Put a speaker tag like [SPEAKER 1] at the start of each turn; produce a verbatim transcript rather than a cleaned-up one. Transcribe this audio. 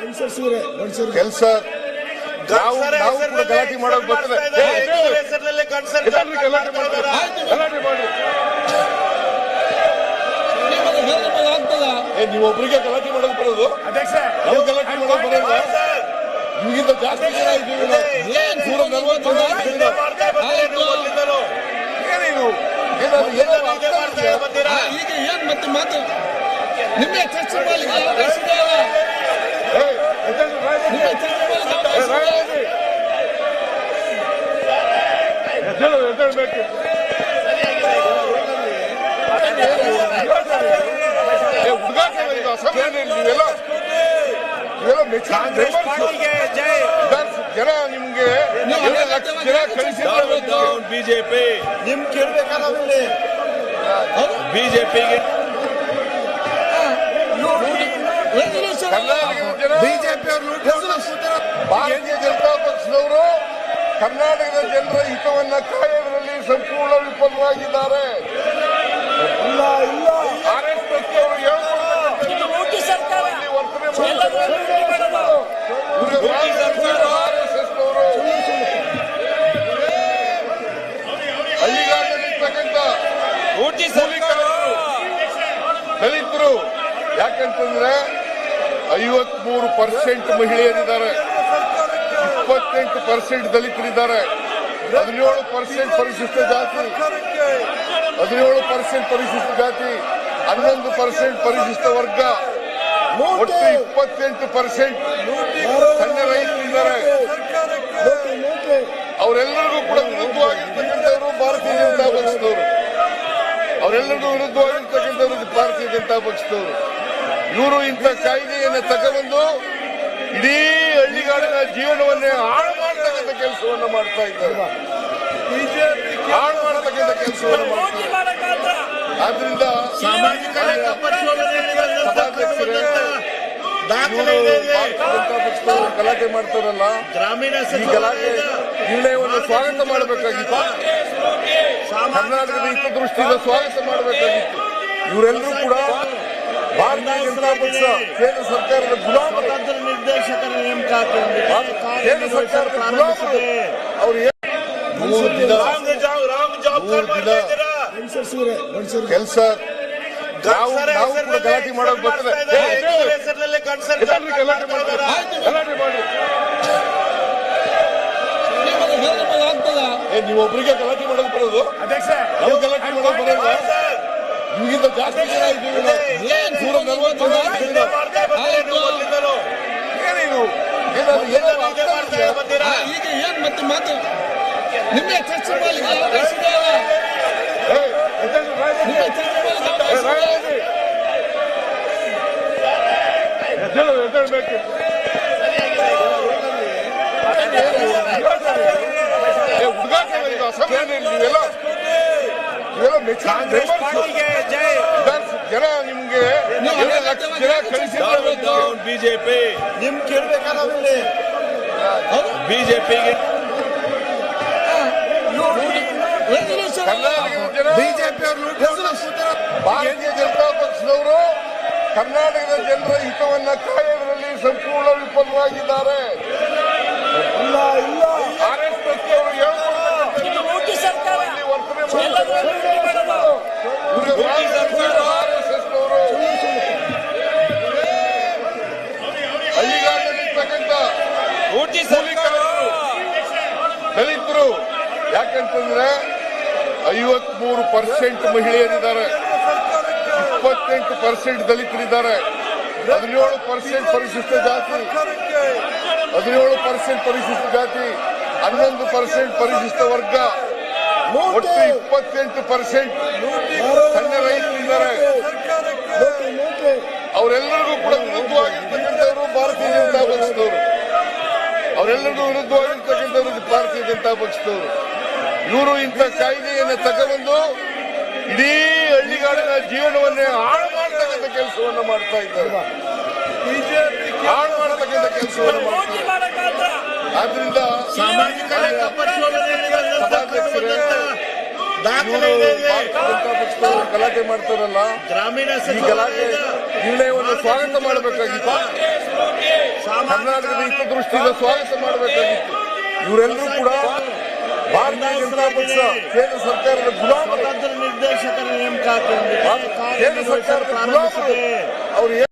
[SPEAKER 1] ಕೆಲಸ ನಾವು ನಾವು ಕೂಡ ಗಲಾಟೆ ಮಾಡೋದು ಬರ್ತದೆ. ಗಲಾಟೆ ಮಾಡಿ ನೀವು ಒಬ್ಬರಿಗೆ ಗಲಾಟೆ ಮಾಡೋದು ಬರೋದು, ನಾವು ಗಲಾಟೆ ಮಾಡೋದು ಬರೋಲ್ಲ. ನಿಮಗಿಂತ ಜಾಸ್ತಿ ಜನ ಇದ್ದೀವಿ ನಾವು. ನೂರ ನಲವತ್ತು ಜನ ಏನೇನು
[SPEAKER 2] ಈಗ ಏನ್ ಮತ್ತೆ ಮಾತು ನಿಮ್ಮೆ ಚರ್ಚೆ ಮಾಡಿ
[SPEAKER 1] ಜನ ನಿಮ್ಗೆ ಲಕ್ಷ ಜನ ಕಳಿಸಿದ್ರು
[SPEAKER 3] ಬಿಜೆಪಿ ನಿಮ್ ಕೇಳ್ಬೇಕಲ್ಲ ಬಿಜೆಪಿಗೆ
[SPEAKER 1] ಬಿಜೆಪಿ ಭಾರತೀಯ ಜನತಾ ಪಕ್ಷದವರು ಕರ್ನಾಟಕದ ಜನರ ಹಿತವನ್ನ ಕಾಯೋದ್ರಲ್ಲಿ ಸಂಪೂರ್ಣ ವಿಫಲವಾಗಿದ್ದಾರೆ. ಆರ್ ಎಸ್ ಎಸ್ ಅವರು ಆರ್ ಎಸ್ ಎಸ್ ಅವರು ಹಳ್ಳಿಗಾಡಿರ್ತಕ್ಕಂಥ ದಲಿತರು ಯಾಕಂತಂದ್ರೆ ಐವತ್ಮೂರು ಪರ್ಸೆಂಟ್ ಮಹಿಳೆಯರಿದ್ದಾರೆ, ಇಪ್ಪತ್ತೆಂಟು ಪರ್ಸೆಂಟ್ ದಲಿತರಿದ್ದಾರೆ, ಹದಿನೇಳು ಪರ್ಸೆಂಟ್ ಪರಿಶಿಷ್ಟ ಜಾತಿ, ಹದಿನೇಳು ಪರ್ಸೆಂಟ್ ಪರಿಶಿಷ್ಟ ಜಾತಿ, ಹನ್ನೊಂದು ಪರ್ಸೆಂಟ್ ಪರಿಶಿಷ್ಟ ವರ್ಗ, ಒಟ್ಟು ಇಪ್ಪತ್ತೆಂಟು ಪರ್ಸೆಂಟ್ ಸಣ್ಣ ರೈತರಿದ್ದಾರೆ. ಅವರೆಲ್ಲರಿಗೂ ಕೂಡ ವಿರುದ್ಧವಾಗಿರ್ತಕ್ಕಂಥವರು ಭಾರತೀಯ ಜನತಾ ಪಕ್ಷದವರು, ಅವರೆಲ್ಲರಿಗೂ ವಿರುದ್ಧವಾಗಿರ್ತಕ್ಕಂಥವ್ರು ಭಾರತೀಯ ಜನತಾ ಪಕ್ಷದವರು. ಇವರು ಇಂಥ ಕಾಯ್ದೆಯನ್ನು ತಗೊಂಡು ಇಡೀ ಹಳ್ಳಿಗಾಡಿನ ಜೀವನವನ್ನೇ ಹಾಳು ಮಾಡತಕ್ಕಂಥ ಕೆಲಸವನ್ನು ಮಾಡ್ತಾ ಇದ್ದಾರೆ, ಹಾಳು ಮಾಡತಕ್ಕಂಥ ಕೆಲಸವನ್ನು ಮಾಡ್ತಾರೆ. ಆದ್ರಿಂದ
[SPEAKER 3] ಸಾಮಾಜಿಕ
[SPEAKER 1] ಸಭಾಧ್ಯಕ್ಷರೇ, ಜನತಾ ಪಕ್ಷದವರು ಗಲಾಟೆ ಮಾಡ್ತಾರಲ್ಲ,
[SPEAKER 3] ಗ್ರಾಮೀಣ
[SPEAKER 1] ಈ ಗಲಾಟೆ ನಿರ್ಣಯವನ್ನು ಸ್ವಾಗತ ಮಾಡಬೇಕಾಗಿತ್ತು, ಕರ್ನಾಟಕದ ಹಿತದೃಷ್ಟಿಯಿಂದ ಸ್ವಾಗತ ಮಾಡಬೇಕಾಗಿತ್ತು. ಇವರೆಲ್ಲರೂ ಕೂಡ ಭಾರತೀಯ ಜನತಾ ಪಕ್ಷ ಕೇಂದ್ರ ಸರ್ಕಾರದ ಗುಲಾಮರು,
[SPEAKER 3] ನಿರ್ದೇಶಕರ ನೇಮಕಾತಿ
[SPEAKER 1] ಕೇಂದ್ರ ಸರ್ಕಾರದ ಗುಲಾಮರು. ಅವರು ಮೂರು ದಿನ ಕೆಲಸ ನಾವು ನಾವು ಕೂಡ ಗಲಾಟೆ ಮಾಡೋದು ಬರ್ತದೆ. ಗಲಾಟೆ ಮಾಡ್ತಾರೆ, ಗಲಾಟೆ ಮಾಡಿ ನೀವು ಒಬ್ಬರಿಗೆ ಗಲಾಟೆ ಮಾಡೋದು ಬರೋದು, ನಾವು ಗಲಾಟೆ ಮಾಡೋದು ಬರೋಲ್ಲ. ನಿಮಗಿಂತ ಜಾಸ್ತಿ ಜನ ಇದ್ದೀವಿ ನಾವು. ನೂರ ನಲವತ್ತು ಜನ ಏನೇನು
[SPEAKER 2] ಈಗ ಏನ್ ಮತ್ತೆ ಮಾತು ನಿಮ್ಮೆ ಚರ್ಚೆ ಮಾಡಿ
[SPEAKER 1] ನೀವೆಲ್ಲ ಜನ ನಿಮ್ಗೆ ಲಕ್ಷ ಜನ ಕಳಿಸಿದ್ರು
[SPEAKER 3] ಬಿಜೆಪಿ ನಿಮ್ ಕೇಳ್ಬೇಕಲ್ಲ ಬಿಜೆಪಿಗೆ
[SPEAKER 1] ಬಿಜೆಪಿ ಭಾರತೀಯ ಜನತಾ ಪಕ್ಷದವರು ಕರ್ನಾಟಕದ ಜನರ ಹಿತವನ್ನ ಕಾಯೋದ್ರಲ್ಲಿ ಸಂಪೂರ್ಣ ವಿಫಲವಾಗಿದ್ದಾರೆ. ಆರ್ ಎಸ್ ಎಸ್ ಅವರು ಆರ್ ಎಸ್ ಎಸ್ ಅವರು ಹಳ್ಳಿಗಾಡಿರ್ತಕ್ಕಂಥ ದಲಿತರು ಯಾಕಂತಂದ್ರೆ ಐವತ್ಮೂರು ಪರ್ಸೆಂಟ್ ಮಹಿಳೆಯರಿದ್ದಾರೆ, ಇಪ್ಪತ್ತೆಂಟು ಪರ್ಸೆಂಟ್ ದಲಿತರಿದ್ದಾರೆ, ಹದಿನೇಳು ಪರ್ಸೆಂಟ್ ಪರಿಶಿಷ್ಟ ಜಾತಿ, ಹದಿನೇಳು ಪರ್ಸೆಂಟ್ ಪರಿಶಿಷ್ಟ ಜಾತಿ, ಹನ್ನೊಂದು ಪರ್ಸೆಂಟ್ ಪರಿಶಿಷ್ಟ ವರ್ಗ, ಒಟ್ಟು ಇಪ್ಪತ್ತೆಂಟು ಪರ್ಸೆಂಟ್ ಸಣ್ಣ ರೈತರಿದ್ದಾರೆ. ಅವರೆಲ್ಲರಿಗೂ ಕೂಡ ವಿರುದ್ಧವಾಗಿರ್ತಕ್ಕಂಥವರು ಭಾರತೀಯ ಜನತಾ ಪಕ್ಷದವರು, ಅವರೆಲ್ಲರಿಗೂ ವಿರುದ್ಧವಾಗಿರ್ತಕ್ಕಂಥವ್ರು ಭಾರತೀಯ ಜನತಾ ಪಕ್ಷದವರು. ಇವರು ಇಂಥ ಕಾಯ್ದೆಯನ್ನು ತಗೊಂಡು ಇಡೀ ಹಳ್ಳಿಗಾಡಿನ ಜೀವನವನ್ನೇ ಹಾಳು ಮಾಡತಕ್ಕಂಥ ಕೆಲಸವನ್ನು ಮಾಡ್ತಾ ಇದ್ದಾರೆ, ಹಾಳು ಮಾಡತಕ್ಕಂಥ ಕೆಲಸವನ್ನು ಮಾಡ್ತಾರೆ. ಆದ್ರಿಂದ
[SPEAKER 3] ಸಾಮಾಜಿಕ
[SPEAKER 1] ಸಭಾಧ್ಯಕ್ಷರೇ, ಭಾರತೀಯ ಜನತಾ ಪಕ್ಷದವರು ಗಲಾಟೆ ಮಾಡ್ತಾರಲ್ಲ,
[SPEAKER 3] ಗ್ರಾಮೀಣ
[SPEAKER 1] ಈ ಗಲಾಟೆ ನಿರ್ಣಯವನ್ನು ಸ್ವಾಗತ ಮಾಡಬೇಕಾಗಿತ್ತು, ಕರ್ನಾಟಕದ ಹಿತದೃಷ್ಟಿಯಿಂದ ಸ್ವಾಗತ ಮಾಡಬೇಕಾಗಿತ್ತು. ಇವರೆಲ್ಲರೂ ಕೂಡ ಭಾರತೀಯ ಜನತಾ ಪಕ್ಷ ಕೇಂದ್ರ ಸರ್ಕಾರದ ಗುಲಾಮರು,
[SPEAKER 3] ಸ್ವತಂತ್ರ ನಿರ್ದೇಶಕರ ನೇಮಕಾತಿ
[SPEAKER 1] ಕೇಂದ್ರ ಸರ್ಕಾರದ ಗುಲಾಮರು. ಅವರು